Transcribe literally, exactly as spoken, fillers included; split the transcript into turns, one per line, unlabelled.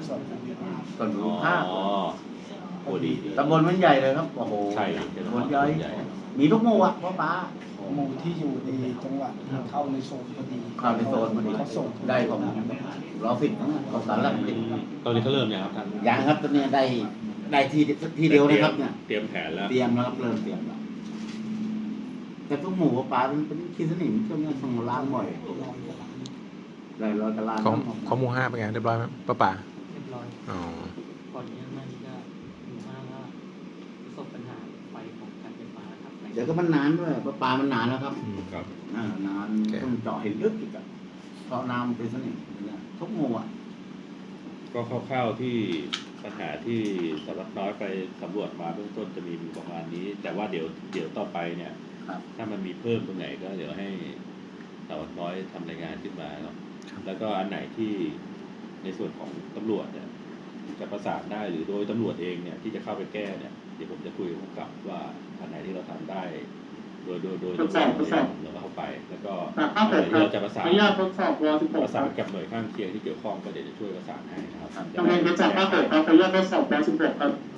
ส่วนภูมิภาค
ส่วนภู
อ๋
มิภาค
อโอ้ดีดี
ตำบลมันใหญ่เลยครับโอ้โห
ใช่
ตำบลใหญ่มีทุกหมู่อ่ะพ่อป้า
หมู่ที่อยู่ในจังหวัดเข้าในโซนพอดี
เข้าในโซนพอดี
เขาส่ง
ได้ของเราสิทธิ์ของสารหลักสิทธิ์
ตอนนี้เขาเริ่มยังครับท่าน
ยังครับตอนนี้ได้ได้ทีทีเดียวนะครับเนี่ย
เตรียมแผนแล้ว
เตรียมแล้วครับเริ่มเตรียมแล้วแต่ทุกหมู่พ่อป้ามันเป็นคิดสนิมช่วงนี้ต้องล้างบ่อย
ร้อยกว่าล้าน
ได้ร้อยกะลา
ของของหมู่ห้าเป็นไงเรียบร้อยไหมป้าป่า
เรียบร้อย
อ๋อ
ก่อนนี้มันก็หมู่ห้าก็ประสบปัญหาไฟของการไฟฟ้าครับ
เดี๋ยวก็มันนานด้วยพ่อป้ามันนานแล้วครับ
อืม
ครับ
อ่านานต้องเจาะเห็นลึกอีกอะเพราะน้ำเป็นสนิมเนี่ยทุกหมู่อ่ะ
ก็คร่าวๆที่ปัญหาที่สำนักน้อยไปสำรวจมาเบื้องต้นจะมีประมาณนี้ แต่ว่าเดี๋ยวเดี๋ยวต่อไปเนี่ย
ครับ
ถ้ามันมีเพิ่มตรงไหนก็เดี๋ยวให้สำนักน้อยทำรายงานขึ้นมาเนาะแล้วก็อันไหนที่ในส่วนของตำรวจเนี่ยจะประสานได้หรือโดยตำรวจเองเนี่ยที่จะเข้าไปแก้เนี่ยเดี๋ยวผมจะคุยกับผู้กำกับว่าอันไหนที่เราทำได้ โดยโดยโดย
ทดสอบทดสอบ
เราก็เข้าไป แล้วก็
แต่ถ้า
อัน
เกิ
ไห
ด
นที่เราจะประสาน
อนุญาตทดสอบวสิบห
ป
ก
ระสานกับหน่วยข้างเคียงที่เกี่ยวข้องก็เดี๋ยวจะช่วยประสานให้นะครับ
จำเป็นจะจับถ้าเกิดเราขออนุญาตทดสอบวสิบหกครับ